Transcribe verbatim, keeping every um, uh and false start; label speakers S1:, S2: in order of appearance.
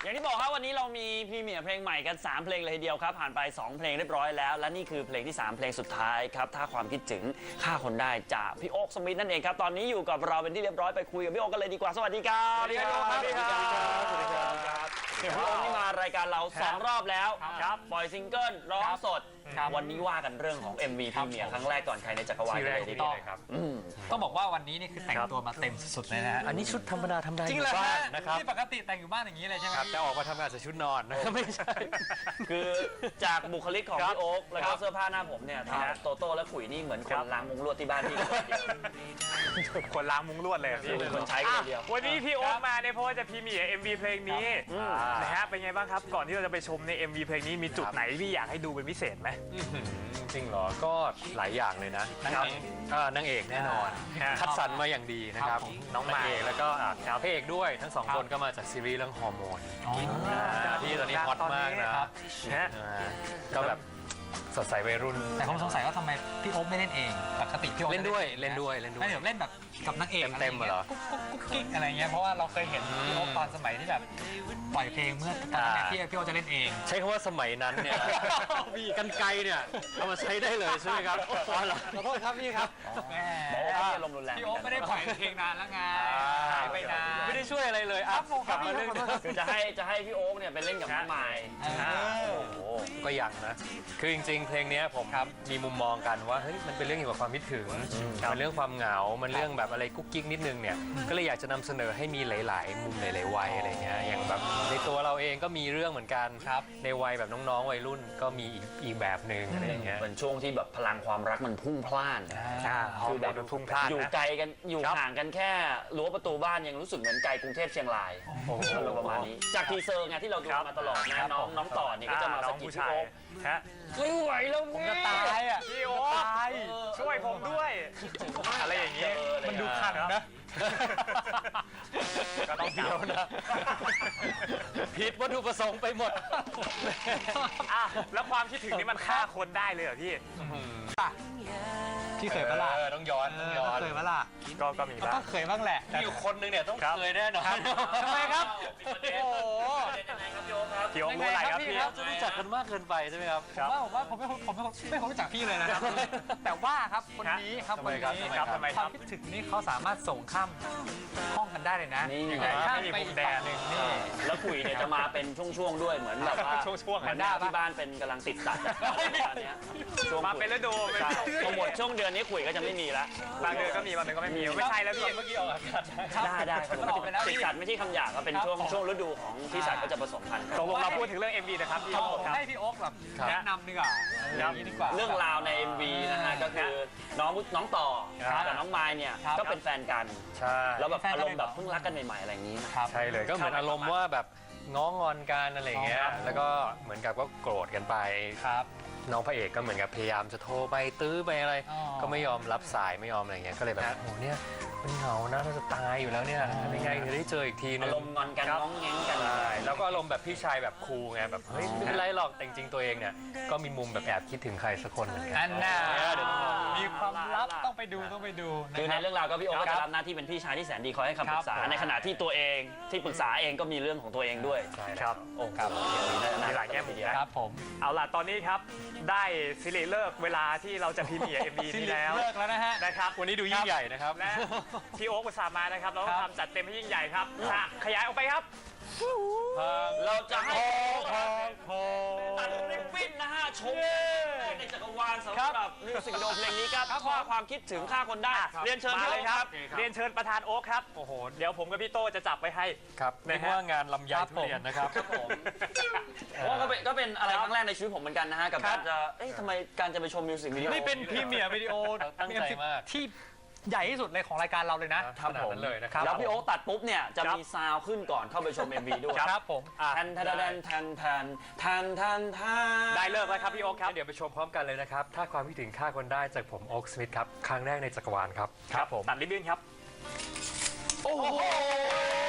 S1: อย่างที่บอกครับวันนี้เรามีพรีเมียร์เพลงใหม่กันสามเพลงเลยทีเดียวครับผ่านไปสองเพลงเรียบร้อยแล้วและนี่คือเพลงที่สามเพลงสุดท้ายครับถ้าความคิดถึงฆ่าคนได้จากพี่โอ๊คสมิธนั่นเองครับตอนนี้อยู่กับเราเป็นที่เรียบร้อยไปคุยกับพี่โอ๊คกันเลยดีกว่าสวัสดีครับ
S2: สวัสดีครับสวัสดีครับสวัสดีครับ
S1: พี่โอ๊คนี่มารายการเราสองรอบแล้วครับปล่อยซิงเกิลร้องสดวันนี้ว่ากันเรื่องของ เอ็ม วี พรีเมียร์ครั้งแรกก่อนใครในจักรวาลเลยทีเดียวครับ
S3: ต้องบอกว่าวันนี้นี่คือแต่งตัวมาเต็มสุดๆเลยนะฮะ
S2: อันนี้ชุดธรรมดาธรรมดาอ
S3: จริง
S2: ยู่
S3: เหรอ
S2: บ้านนะครับ
S3: ที่ปกติแต่งอยู่บ้านอย่างนี้เลยใช่ไหม
S2: ครับแต่ออกมาทำงานใส่ชุดนอนนะไม่ใช่
S1: คือจากบุคลิกของพี่โอ๊คแล้วก็เสื้อผ้าหน้าผมเนี่ยทั้งโตโต้และขุยนี่เหมือนคนล้างมุ้งลวดที่บ้านพี่
S2: คนล้างมุ้งลวดเลยพี่
S1: เป็นคนใช้กันเดียว
S4: วันนี้พี่โอ๊คมาเนี่ยเพราะว่าจะพรีเมียร์ เอ็ม วี เพลงนี้นะฮะเป็นไงบ้างครับก่อนที่เราจะไปชมใน เอ็ม วี เพลงนี้มีจุดไหนที่อยากให้ดูเป็นพิเศษไหม
S2: จริงเหรอก็หลายอย่างเลยนะนางเอกแน่นอนคัดสรรมาอย่างดีนะครับน้องนางเอกแล้วก็พระเอกด้วยทั้งสองคนก็มาจากซีรีส์เรื่องฮอร์โมนที่ตอนนี้ฮอตมากนะก็แบบสดใสวัยรุ่น
S3: แต่ผมสงสัยว่าทำไมพี่โอ๊คไม่เล่นเองปกติพี่โอ๊ค
S2: เล่นด้วยเล่นด้วยเล่นด้วย
S3: ไม่เดี๋ยวเล่นแบบกับนางเอก
S2: เต็มๆเหรอ
S3: กุ๊กกุ๊กกุ๊กกิ๊กอะไรเงี้ยเพราะว่าเราเคยเห็นพี่โอ๊คตอนสมัยที่แบบปล่อยเพลงเมื่อตอนนั้นที่พี่โอ๊คจะเล่นเอง
S2: ใช้คำว่าสมัยนั้นเนี่ยกันไกลเนี่ยเอามาใช้ได้เลยใช่ไหมครับขอโทษครับพี่ครับ
S1: บอกว่าพี่อารมณ์รุนแรง
S3: พี่โอ๊คไม่ได้ปล่อยเพลงนานแล้วไงหายไปนาน
S2: ไม่ได้ช่วยอะไรเลยอ่ะ
S3: กลับมาเล่น
S1: คือจะให้จะให้พี่โอ๊คเนี่ยไปเล่นกับน้องไมค์
S2: ก็ยังนะคือจริงๆเพลงนี้ผมมีมุมมองกันว่าเฮ้ยมันเป็นเรื่องเกี่ยวกับความคิดถึงมันเรื่องความเหงามันเรื่องแบบอะไรกุ๊กกิ๊กนิดนึงเนี่ยก็เลยอยากจะนำเสนอให้มีหลายๆมุมหลายๆวัยอะไรเงี้ยอย่างแบบในตัวเราเองก็มีเรื่องเหมือนกันครับในวัยแบบน้องๆวัยรุ่นก็มีอีกแบบหนึ่งอะไรเงี้ย
S1: เป็นช่วงที่แบบพลังความรักมันพุ่งพล่าน
S2: คือแบบพุ่งพล่าน
S1: อยู่ไกลกันอยู่ห่างกันแค่รั้วประตูบ้านยังรู้สึกเหมือนไกลกรุงเทพเชียงรายประมาณนี้จากทีเซอร์ไงที่เราดูมาตลอดนะน้องน้องต่อเนี่ยก็จะมาสกิดพี่โอ๊คไม่ไหวแล้วผม
S3: จะตายอ่ะ
S4: พี่โอ๊คตายช่วยผมด้วยอะไรอย่างนี้
S3: มันดูขังนะ
S2: ก็ต้องเดียวนะผิดวัตถุประสงค์ไปหมด
S4: แล้วความคิดถึงนี่มันฆ่าคนได้เลยเหรอพี่
S3: พี่เคยปะล่ะ
S2: ต้องย้อนต้องย้อน
S3: เคยปะล่ะ
S4: ก็ก็มีบ้าง
S3: ก็เคยบ้างแหละ
S2: อยู่คนนึงเนี่ยต้องเคยแน่นอน
S3: ทำไมครับ
S1: โอ้โห
S4: พี่โอ๊ครู้อะไรครับพี่
S2: จะรู้จักกันมากเกินไปใช่ไหมครับ
S3: ผมว่าผมว่าผมไม่ผมไม่ไม่รู้จักพี่เลยนะครับแต่ว่าครับคนนี้ครับคนนี้
S4: ครับทำไม
S3: ความคิดถึงนี่เขาสามารถส่งข้ามห้องกันได้เลยนะข้ามไปอีกแดนหนึ่งนี่
S1: แล้วคุยเนี่ยจะมาเป็นช่วงๆด้วยเหมือนแบบว่า
S4: ช่วงๆ
S1: เหมือนที่บ้านเป็นกำลังติดสัตว์
S4: ช่วงมาเป็นฤดู
S1: พอหมดช่วงเดือนนี้คุยก็จะไม่มีแล้ว
S4: บางเดือนก็มีบางเดือนก็ไม่มีไม่ใช่แล้วพี่
S2: เมื่อกี้ออกอากาศ
S1: ได้ได้ติดสัตว์ไม่ใช่คำหยาบก็เป็นช่วงช่วงฤดูของที่สัตว์ก็จะผสมพันธุ์
S4: ตกลงเราพูดถึงเรื่อง เอ็ม วี นะครับพี่
S3: ให้พี่โอ๊คแบบแนะนำดีกว่า
S1: เรื่องราวใน เอ็ม วี นะฮะก็คือน้องน้องต่อกับน้องไมค์เนี่ยก็เป็นแฟนกัน
S2: ใช่
S1: แล้วแบบอารมณ์แบบเพิ่งรักกันใหม่ๆอะไรอย่างนี้
S2: ใช่เลยก็เหมือนอารมณ์ว่าแบบง้องอนกันอะไรเงี้ยแล้วก็เหมือนกับก็โกรธกันไป
S3: ครับ
S2: น้องพระเอกก็เหมือนกับพยายามจะโทรไปตื้อไปอะไรก็ไม่ยอมรับสายไม่ยอมอะไรเงี้ยก็เลยแบบโอ้เนี่ยมันเหงานะเราจะตายอยู่แล้วเนี่ยทำยังไงจะได้เจออีกทีนึง
S1: อารมณ์งอนกันง้องแง้งกัน
S2: แล้วก็อารมณ์แบบพี่ชายแบบคูลไงแบบเฮ้ยไม่เป็นไรหรอกแต่จริงๆตัวเองเนี่ยก็มีมุมแบบแอบคิดถึงใครสักคนเหมือนกัน
S3: อันน่ะมีความลับต้องไปดูต้องไปดู
S1: คือในเรื่องราวก็พี่โอ๊คก็จะรับหน้าที่เป็นพี่ชายที่แสนดีคอยให้คำปรึกษาในขณะที่ตัวเองที่ปรึกษาเองก็มีเรื่องของตัวเองด้วย
S4: ครับ
S1: โอ้ครับ
S4: มีหลายแง่มุม
S3: ครับผม
S4: เอาล่ะตอนนี้ครับได้ซีรีส์เลิกเวลาที่เราจะพรีเมียร์ เอ็ม วี นี้แล้ว
S3: เลิกแล้วนะฮะ
S4: นะครับ
S2: วันนี้ดูยิ่งใหญ่นะครับ
S4: และพี่โอ๊คอุตส่าห์มานะครับเราต้องทำจัดเต็มให้ยิ่งใหญ่ครับขยายออกไปครับ
S1: เราจะให้ตัดริบบิ้นนะฮะชมในจักรวาลสำหรับมิวสิกวิดีโอเพลงนี้ครับข้อความคิดถึงฆ่าคนได้เรียนเชิญ
S4: เลยครับเรียนเชิญประธานโอ๊คครับโอ้โหเดี๋ยวผมกับพี่โต้จะจับไปให้
S2: ครับไม่ว่างานลำไยทุเรียนนะครับ
S1: ครับผมเพราะก็เป็นก็เป็นอะไรครั้งแรกในชีวิตผมเหมือนกันนะฮะกับการจะเอ๊ะทำไมการจะไปชมมิวสิกวิดีโอ
S3: นี่เป็นพรีเมียร์วิดีโอ
S2: ตั้งใจมาก
S3: ที่ใหญ่ที่สุดเลยของรายการเราเลยนะครับ
S1: ผมเลยนะครับแล้วพี่โอ๊คตัดปุ๊บเนี่ยจะมีซาวขึ้นก่อนเข้าไปชม เอ็ม วี ด้วย
S3: ครับผม
S1: แทนแทนแทนแทนแทนแทนแทนแทน
S4: ได้เลิกแล้วครับพี่โอ๊คครับ
S2: เดี๋ยวไปชมพร้อมกันเลยนะครับถ้าความคิดถึงฆ่าคนได้จากผมโอ๊คสมิธครับครั้งแรกในจักรวาลครับ
S4: ครับผมตัดริบบิ้นครับ
S1: โอ้โห